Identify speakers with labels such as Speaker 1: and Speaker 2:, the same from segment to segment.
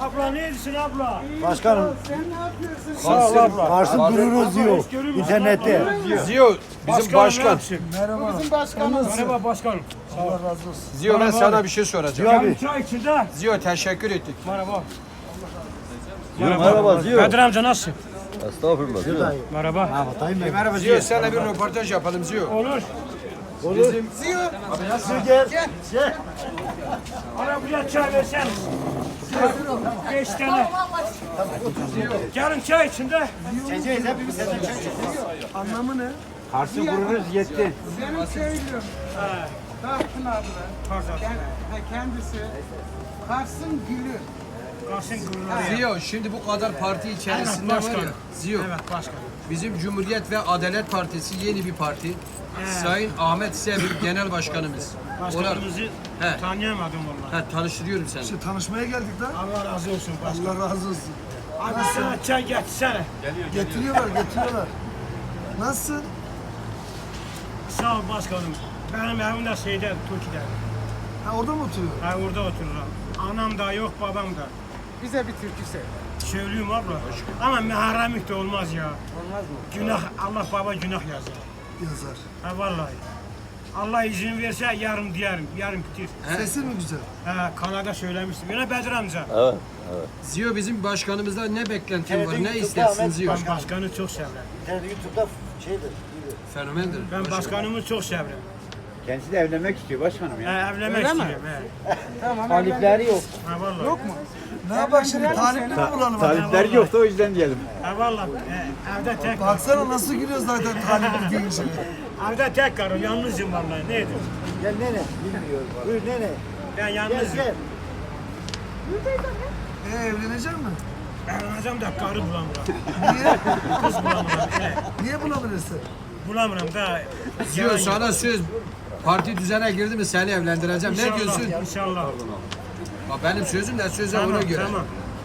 Speaker 1: Abla ne ediyorsun abla?
Speaker 2: Başkanım.
Speaker 3: Sen ne yapıyorsun?
Speaker 1: Sağ ol abla.
Speaker 2: Varsın dururuz diyor. İnternette.
Speaker 4: Ziyo bizim başkan.
Speaker 3: Merhaba. Bizim başkanımız.
Speaker 1: Merhaba başkanım.
Speaker 3: Allah razı olsun.
Speaker 4: Ziyo ben sana bir şey soracağım.
Speaker 2: Ziyo abi.
Speaker 1: Abi. Çay içinde.
Speaker 4: Ziyo teşekkür ettik.
Speaker 1: Merhaba.
Speaker 5: Merhaba Ziyo.
Speaker 1: Kadir amca nasılsın?
Speaker 5: Estağfurullah Ziyo.
Speaker 1: Merhaba.
Speaker 2: Hatayım ben.
Speaker 4: Merhaba Ziyo seninle bir röportaj yapalım Ziyo.
Speaker 1: Olur.
Speaker 4: Bizim
Speaker 2: Gel.
Speaker 1: Bana buraya çay verseniz. 5 tane. Gelin çay içinde.
Speaker 3: Anlamı ne?
Speaker 2: Kars'ı vururuz yetti.
Speaker 3: Benim köylüm. Pardon. Kendisi Kars'ın gülü.
Speaker 1: Kalsın gururları.
Speaker 4: Ziyo şimdi bu kadar parti içerisinde
Speaker 1: Evet,
Speaker 4: var ya.
Speaker 1: başkanım.
Speaker 4: Ziyo
Speaker 1: Evet başkanım.
Speaker 4: bizim Cumhuriyet ve Adalet Partisi yeni bir parti. Sayın Ahmet Sevim Genel Başkanımız.
Speaker 1: Başkanımızı
Speaker 4: He.
Speaker 1: tanıyamadım vallahi.
Speaker 4: Tanıştırıyorum seni.
Speaker 3: İşte tanışmaya geldik lan.
Speaker 1: Allah razı olsun başkanım.
Speaker 3: Allah razı olsun.
Speaker 1: Abi sana çay getirsene.
Speaker 3: Getiriyorlar. Nasılsın?
Speaker 1: Sağ ol başkanım. Benim evim de şeyde, Türkiye'de.
Speaker 3: Ha orada mı oturuyor?
Speaker 1: Ha orada otururum. Anam da yok, babam da.
Speaker 3: Bize bir türkü söyle.
Speaker 1: Söylüyorum abla. Ama meharemlik de olmaz ya.
Speaker 3: Olmaz mı?
Speaker 1: Günah, Allah baba günah yazar.
Speaker 3: Yazar.
Speaker 1: Ha vallahi. Allah izin verse yarım diyelim, yarım bitir.
Speaker 3: Sesi mi güzel?
Speaker 1: Ha Kanada söylemiştim. Yine Bedir amca.
Speaker 5: Evet.
Speaker 4: Ziyo bizim başkanımızdan ne beklentin
Speaker 2: Evet,
Speaker 4: var? Ne
Speaker 2: YouTube'da
Speaker 4: istersin
Speaker 2: Ahmet
Speaker 4: Ziyo?
Speaker 1: Ben başkanı çok severim.
Speaker 2: YouTube'da şeydir.
Speaker 4: Fenomendir.
Speaker 1: Ben başkanımı çok severim.
Speaker 2: Kendisi de evlenmek istiyor başkanım ya.
Speaker 1: Evlenmek istiyorum. He.
Speaker 2: Talipleri yok.
Speaker 1: Ha vallahi.
Speaker 3: Yok mu? Ne yapak şimdi? Talipli mi bulalım?
Speaker 2: Talipleri yoktu o yüzden diyelim.
Speaker 1: Ha vallahi. Evde tek
Speaker 3: Baksana nasıl gülüyor zaten talipli deyince.
Speaker 1: Evde tek karım, yalnızım vallahi. Neydi?
Speaker 2: Gel nene. Bilmiyorum. Buyur nene.
Speaker 1: Ben
Speaker 2: Gel
Speaker 1: yalnızım.
Speaker 2: gel.
Speaker 3: Evlenecek mi?
Speaker 1: Evleneceğim de karı bulamıyorum.
Speaker 3: Niye?
Speaker 1: Kız bulamıyorum. He.
Speaker 3: Niye bulabilirsin?
Speaker 1: Bulamıyorum da.
Speaker 4: Ziyo sana söz. Parti düzene girdi mi seni evlendireceğim. Ne diyorsun?
Speaker 1: İnşallah.
Speaker 4: Bak benim sözüm de söze
Speaker 1: Tamam,
Speaker 4: ona göre.
Speaker 1: tamam.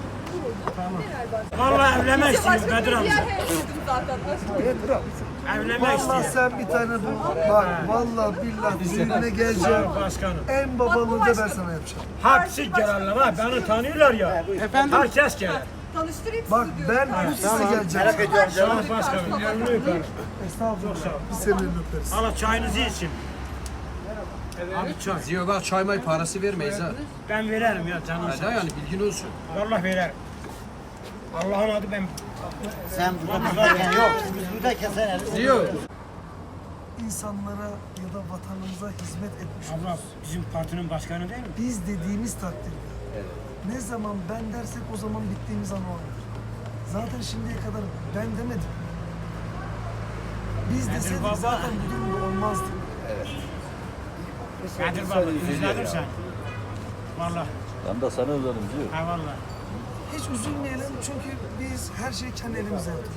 Speaker 1: Vallahi evlenmek istiyorum Bedir amca. Evlenmek
Speaker 3: Vallahi
Speaker 1: istiyorum.
Speaker 3: sen bir tane bul. Bak vallahi billahi düğüne geleceğim.
Speaker 1: Başkanım.
Speaker 3: En babalığını da ben sana yapacağım.
Speaker 1: Hepsi gelenler ha. Beni tanıyorlar ya.
Speaker 3: Efendim?
Speaker 1: Herkes gelir.
Speaker 6: Tanıştırayım
Speaker 3: Bak
Speaker 6: sizi diyorum.
Speaker 3: ben üst üste geleceğim.
Speaker 2: Merak ediyorum
Speaker 1: Sağ
Speaker 2: canım.
Speaker 1: ol başkanım. Elini öperim.
Speaker 3: Estağfurullah.
Speaker 1: Çok sağ ol.
Speaker 3: Biz senin elini öperiz.
Speaker 1: Hala çayınızı için. Abi çay.
Speaker 4: Ziyo bak çay may parası vermeyiz ha.
Speaker 1: Ben veririm ya canım.
Speaker 4: Hadi yani bilgin olsun.
Speaker 1: Vallahi veririm. Allah'ın adı ben.
Speaker 2: Sen buradayken yok. Biz buradayken sen elini.
Speaker 4: Ziyo.
Speaker 3: İnsanlara ya da vatanımıza hizmet etmiş
Speaker 1: Abla
Speaker 3: oluruz.
Speaker 1: bizim partinin başkanı değil mi?
Speaker 3: Biz dediğimiz takdirde ne zaman ben dersek o zaman bittiğimiz an o andır. Zaten şimdiye kadar ben demedim. Biz deseydik
Speaker 1: baba.
Speaker 3: zaten bu durumda olmazdı.
Speaker 1: Kadir baba üzüldüm sen. Vallahi.
Speaker 5: Ben de sana özledim Ziyo.
Speaker 1: Ha vallahi.
Speaker 3: Hiç üzülmeyelim çünkü biz her şeyi kendi elimizle yaptık.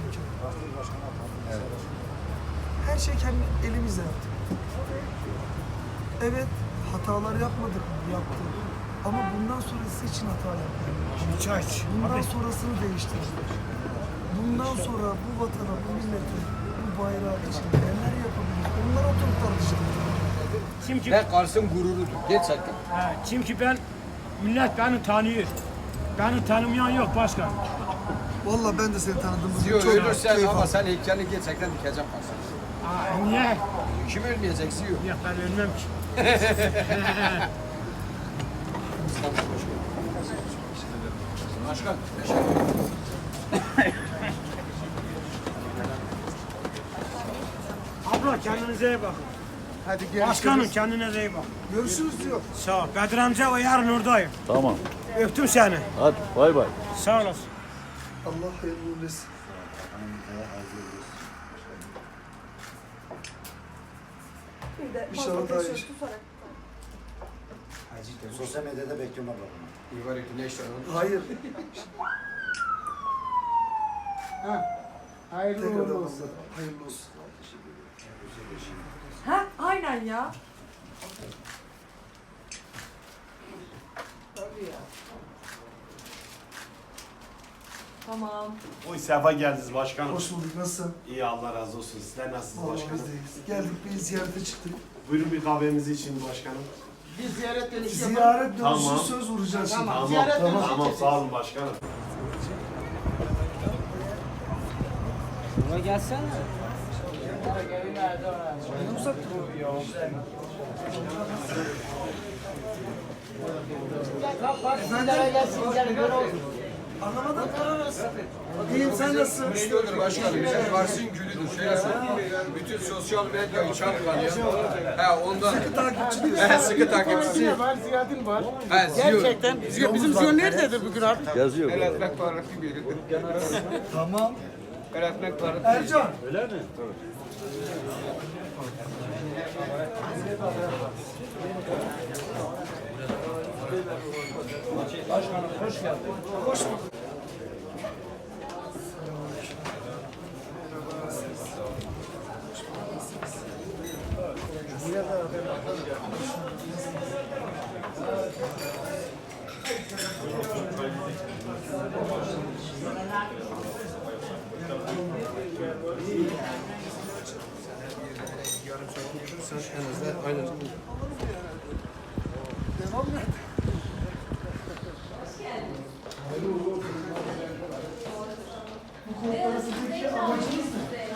Speaker 3: Her şeyi kendi elimizle yaptık. Evet, hatalar yapmadık mı? Yaptık. Ama bundan sonrası için hata yaptık.
Speaker 1: Bir çay iç.
Speaker 3: Bundan sonrasını değiştirdik. Bundan sonra bu vatana, bu millete, bu bayrağı için neler yapabiliriz? Onları oturup tartışalım.
Speaker 1: Çünkü,
Speaker 4: Ve Kars'ın gururudur. Gerçekten.
Speaker 1: çünkü millet beni tanıyor. Beni tanımayan yok başkan.
Speaker 3: Vallahi ben de seni tanıdığımız
Speaker 4: Ziyo
Speaker 3: çok
Speaker 4: ölürsen
Speaker 3: keyif
Speaker 4: ama
Speaker 3: aldım.
Speaker 4: sen heykelini gerçekten dikeceğim Kars'a.
Speaker 1: Niye?
Speaker 4: Kim ölmeyecek Ziyo?
Speaker 1: Yok ben ölmem ki.
Speaker 4: Başkan teşekkür ederim.
Speaker 1: Abla kendinize iyi bakın.
Speaker 3: Hadi görüşürüz.
Speaker 1: Başkanım kendinize iyi bakın.
Speaker 3: Görüşürüz diyor.
Speaker 1: Sağ ol. Bedir amca o yarın oradayım.
Speaker 5: Tamam.
Speaker 1: Öptüm seni.
Speaker 5: Hadi bay bay.
Speaker 1: Sağ olasın.
Speaker 3: Allah hayırlı uğurlu etsin.
Speaker 6: Bir de
Speaker 3: İnşallah
Speaker 6: fazla
Speaker 3: daha iyi.
Speaker 6: taşıyor, tutarak.
Speaker 2: Sosyal medyada bekliyorum abla.
Speaker 4: İyi var ki ne işler oldu?
Speaker 3: Hayır.
Speaker 1: Hayırlı
Speaker 3: Tekrar
Speaker 1: uğurlu olsun.
Speaker 3: olsun. Hayırlı olsun.
Speaker 6: Ha, aynen ya. Tamam.
Speaker 7: Oy sefa geldiniz başkanım.
Speaker 3: Hoş bulduk. Nasılsın?
Speaker 7: İyi Allah razı olsun. Sizler nasılsınız
Speaker 3: Vallahi
Speaker 7: başkanım?
Speaker 3: biz deyiz. Geldik bir ziyarete çıktık.
Speaker 7: Buyurun bir kahvemizi için başkanım.
Speaker 2: Bir ziyaret dönüşü yapalım.
Speaker 3: Ziyaret dönüşü
Speaker 7: Tamam.
Speaker 3: söz vuracağız şimdi.
Speaker 2: Tamam. Ziyaret dönüşü.
Speaker 7: Tamam sağ olun başkanım.
Speaker 2: Sizlere gelsin. Gel gör olsun.
Speaker 3: Anlamadım. İyiyim, sen nasılsın?
Speaker 4: Güçlüdür başkanım. Bizim Kars'ın gülüdür. Şöyle söyleyeyim. Bütün sosyal medyayı çalkalıyor. He ondan.
Speaker 3: Takipçi
Speaker 4: He sıkı takipçisi.
Speaker 2: Var, ziyaretin var.
Speaker 4: He Ziyo.
Speaker 2: Gerçekten. Bizim Ziyo nerededir bugün abi?
Speaker 5: Yazıyor.
Speaker 4: El etmek parası biridir.
Speaker 3: Tamam.
Speaker 4: El etmek parası.
Speaker 3: Ercan.
Speaker 5: Öyle mi?
Speaker 4: Yarım saat konuşursan en azından aynen.
Speaker 3: Devam et. Bu kooperatifteki amacımız ne?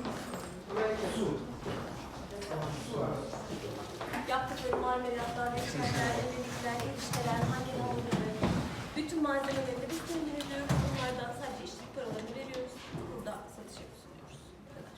Speaker 8: Yaptıkları marmelatlar, reçeller, emekliler, erişteler, hangi olduğunu, bütün malzemeleri de biz kendimiz diyoruz. Bunlardan sadece işçilik paralarını veriyoruz. Burada satışa sunuyoruz. Bu kadar.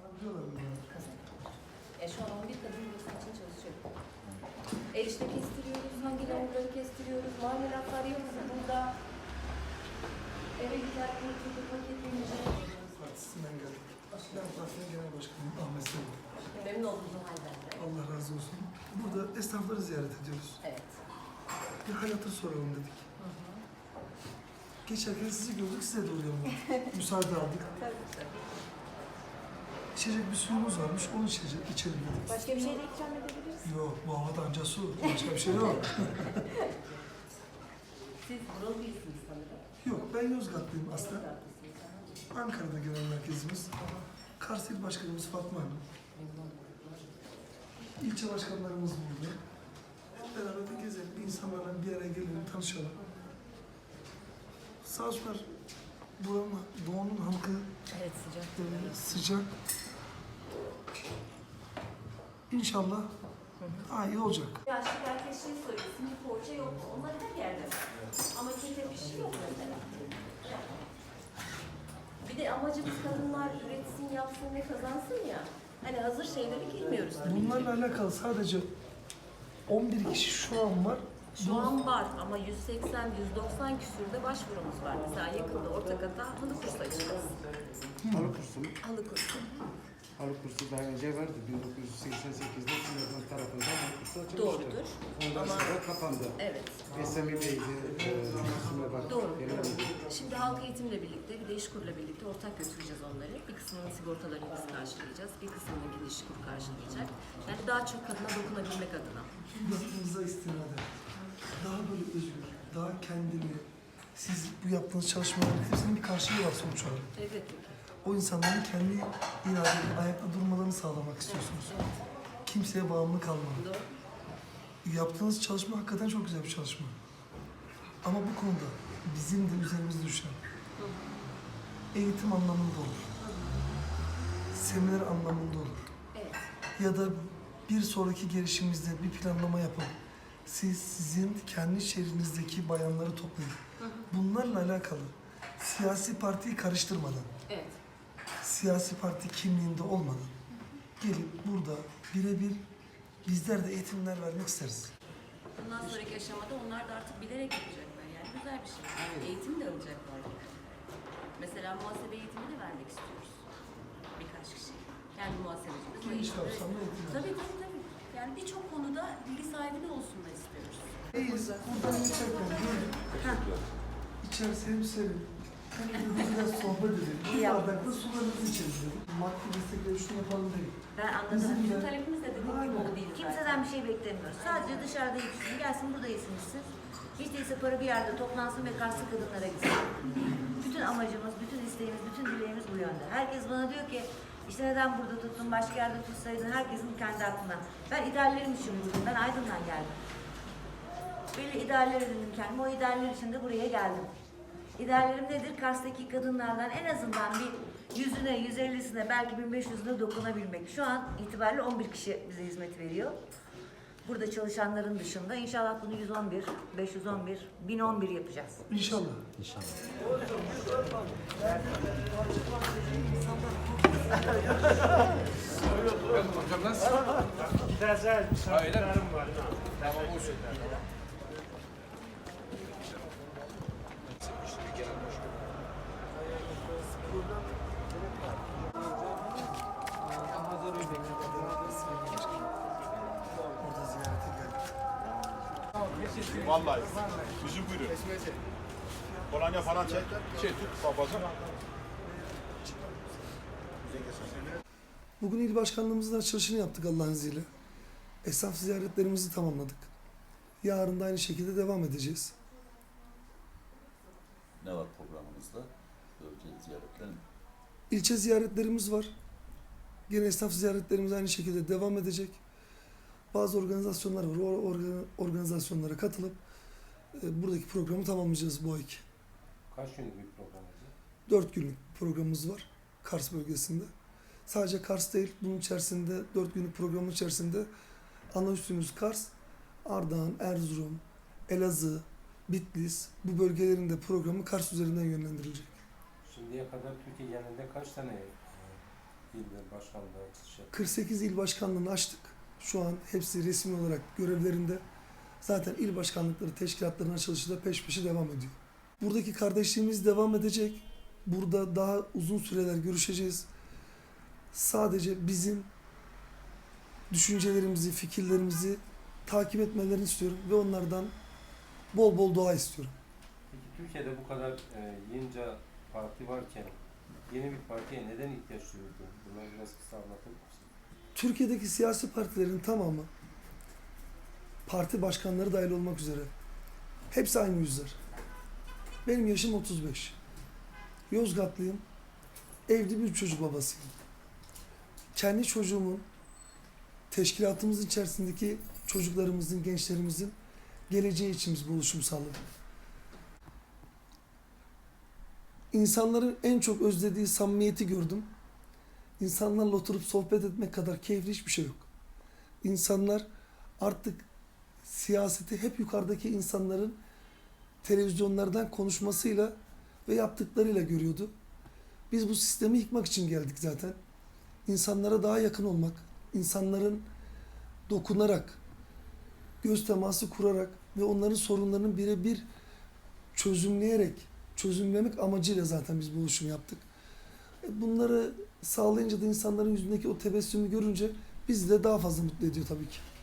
Speaker 8: Şu an 11 kadın burası için çalışıyor. Erişte kestiriyoruz, hangi hamurları kestiriyoruz, marmelatlar yapıyoruz burada. Eve gider, paketlenince.
Speaker 3: Partisinden geldik. Ben partinin genel başkanıyım Ahmet Selim.
Speaker 8: Memnun oldum halden.
Speaker 3: Allah razı olsun. Burada esnafları ziyaret ediyoruz.
Speaker 8: Evet.
Speaker 3: Bir hal hatır soralım dedik. Geçerken sizi gördük, size de uğrayalım dedik. Müsaade aldık. İçecek bir suyumuz varmış, onu içelim dedik.
Speaker 8: Başka bir şey de ikram edebiliriz.
Speaker 3: Yok, bu havada anca su. Başka bir şey yok.
Speaker 8: Siz buralı değilsiniz sanırım.
Speaker 3: Yok, ben Yozgatlıyım aslında. Ankara'da genel merkezimiz. Kars İl Başkanımız Fatma Hanım. İlçe başkanlarımız burada. Hep beraber de gezelim, insanlarla bir araya gelelim, tanışalım. Sağ olsunlar, buranın, doğunun halkı
Speaker 8: Evet, sıcak.
Speaker 3: sıcak. İnşallah daha iyi olacak.
Speaker 8: Yaşlı herkes şey söylüyor, simli poğaça yok mu? Onlar her yerde var. Ama kete bir şey yok mesela. Bir de amacımız kadınlar üretsin, yapsın ve kazansın ya. Hani hazır şeylere girmiyoruz tabii.
Speaker 3: Bunlarla alakalı sadece 11 kişi şu an var.
Speaker 8: Şu an var ama 180-190 küsürde başvurumuz var. Mesela yakında Ortaka'da halı kursu açacağız.
Speaker 9: Halı kursu mu?
Speaker 8: Halı kursu.
Speaker 9: Halı kursu daha önce vardı. 1988'de Sinop'un tarafından halı kursu açılmıştı.
Speaker 8: Doğrudur.
Speaker 9: Ondan
Speaker 8: Ama-
Speaker 9: sonra kapandı.
Speaker 8: Evet.
Speaker 9: SMİ Bey'di. Üstüne bak.
Speaker 8: Doğru.
Speaker 9: Genel müdür.
Speaker 8: Şimdi halk eğitimle birlikte bir de İşkur'la birlikte ortak götüreceğiz onları. Bir kısmının sigortalarını biz karşılayacağız. Bir kısmını yine İşkur karşılayacak. Yani daha çok kadına dokunabilmek adına.
Speaker 3: Yaptığınıza istinaden daha böyle özgür, daha kendini, siz bu yaptığınız çalışmaların hepsinin bir karşılığı var sonuç olarak.
Speaker 8: Evet.
Speaker 3: O insanların kendi iradeli ayakta durmalarını sağlamak istiyorsunuz. Kimseye bağımlı kalmamak.
Speaker 8: Doğru.
Speaker 3: Yaptığınız çalışma hakikaten çok güzel bir çalışma. Ama bu konuda bizim de üzerimizde düşen eğitim anlamında olur. Seminer anlamında olur.
Speaker 8: Evet.
Speaker 3: Ya da bir sonraki gelişimizde bir planlama yapıp sizin kendi şehrinizdeki bayanları toplayın. Bunlarla alakalı siyasi partiyi karıştırmadan,
Speaker 8: Evet.
Speaker 3: siyasi parti kimliğinde olmadan gelip burada birebir bizler de eğitimler vermek isteriz.
Speaker 8: Bundan sonraki aşamada onlar da artık bilerek yapacaklar. Yani güzel bir şey. Eğitim de alacaklar. Mesela muhasebe eğitimi de vermek istiyoruz. Birkaç kişi. Kendi muhasebecimiz.
Speaker 3: Geniş kapsamlı eğitim.
Speaker 8: Tabii. Yani birçok konuda bilgi sahibi de olsunlar istiyoruz.
Speaker 3: İyiyiz. Buradan geçerken gördük. İçerisi hem serin. Hem de biraz sohbet edelim. Bir bardakta sularınızı içeriz dedik. Maddi destekleri şunu yapalım değil.
Speaker 8: Ben anladım. Bizim talebimiz de dediğim gibi o değil.
Speaker 10: Kimseden bir şey beklemiyoruz. Sadece dışarıda yetişsin, gelsin burada yesin içsin. Hiç değilse para bir yerde toplansın ve Karslı kadınlara gitsin. Bütün amacımız, bütün isteğimiz, bütün dileğimiz bu yönde. Herkes bana diyor ki, İşte neden burada tuttun, başka yerde tutsaydın, herkesin kendi aklına. Ben ideallerim için buradayım, ben Aydın'dan geldim. Belli idealler edindim kendime, o idealler için de buraya geldim. İdeallerim nedir? Kars'taki kadınlardan en azından bir 100'üne, 150'sine, belki 1500'üne dokunabilmek. Şu an itibariyle 11 kişi bize hizmet veriyor. Burada çalışanların dışında inşallah bunu 111, 511, 1011 yapacağız.
Speaker 3: İnşallah.
Speaker 4: Hocam nasıl?
Speaker 1: Güzel bir sanatlarım var.
Speaker 4: Tamam olsun.
Speaker 3: Orada ziyarete geldik.
Speaker 7: Vallahi. Yüzü buyurun. Kolonya falan çek. Tut babacığım.
Speaker 3: Bugün il başkanlığımızın açılışını yaptık Allah'ın izniyle. Esnaf ziyaretlerimizi tamamladık. Yarın da aynı şekilde devam edeceğiz.
Speaker 5: Ne var programımızda? Bölge ziyaretler mi?
Speaker 3: İlçe ziyaretlerimiz var. Yine esnaf ziyaretlerimiz aynı şekilde devam edecek. Bazı organizasyonlar var. O organizasyonlara katılıp buradaki programı tamamlayacağız bu ayki.
Speaker 9: Kaç günlük bir program olacak?
Speaker 3: 4 günlük programımız var Kars bölgesinde. Sadece Kars değil, bunun içerisinde 4 günlük programın içerisinde ana üssümüz Kars, Ardahan, Erzurum, Elazığ, Bitlis, bu bölgelerin de programı Kars üzerinden yönlendirilecek.
Speaker 9: Şimdiye kadar Türkiye genelinde kaç tane il ve başkanlığı açılış yaptı?
Speaker 3: 48 il başkanlığını açtık. Şu an hepsi resmi olarak görevlerinde. Zaten il başkanlıkları teşkilatlarının açılışı da peş peşe devam ediyor. Buradaki kardeşliğimiz devam edecek. Burada daha uzun süreler görüşeceğiz. Sadece bizim düşüncelerimizi, fikirlerimizi takip etmelerini istiyorum ve onlardan bol bol dua istiyorum.
Speaker 9: Peki Türkiye'de bu kadar yığınca parti varken yeni bir partiye neden ihtiyaç duyuldu? Bunları biraz kısa anlatır mısın?
Speaker 3: Türkiye'deki siyasi partilerin tamamı, parti başkanları dahil olmak üzere, hepsi aynı yüzler. Benim yaşım 35. Yozgatlıyım. Evli bir çocuk babasıyım. Kendi çocuğumun, teşkilatımızın içerisindeki çocuklarımızın, gençlerimizin geleceği için biz bu oluşumu sağladık. İnsanların en çok özlediği samimiyeti gördüm. İnsanlarla oturup sohbet etmek kadar keyifli hiçbir şey yok. İnsanlar artık siyaseti hep yukarıdaki insanların televizyonlardan konuşmasıyla ve yaptıklarıyla görüyordu. Biz bu sistemi yıkmak için geldik zaten. İnsanlara daha yakın olmak, insanların dokunarak, göz teması kurarak ve onların sorunlarını birebir çözümlemek amacıyla zaten biz bu oluşumu yaptık. Bunları sağlayınca da insanların yüzündeki o tebessümü görünce bizi de daha fazla mutlu ediyor tabii ki.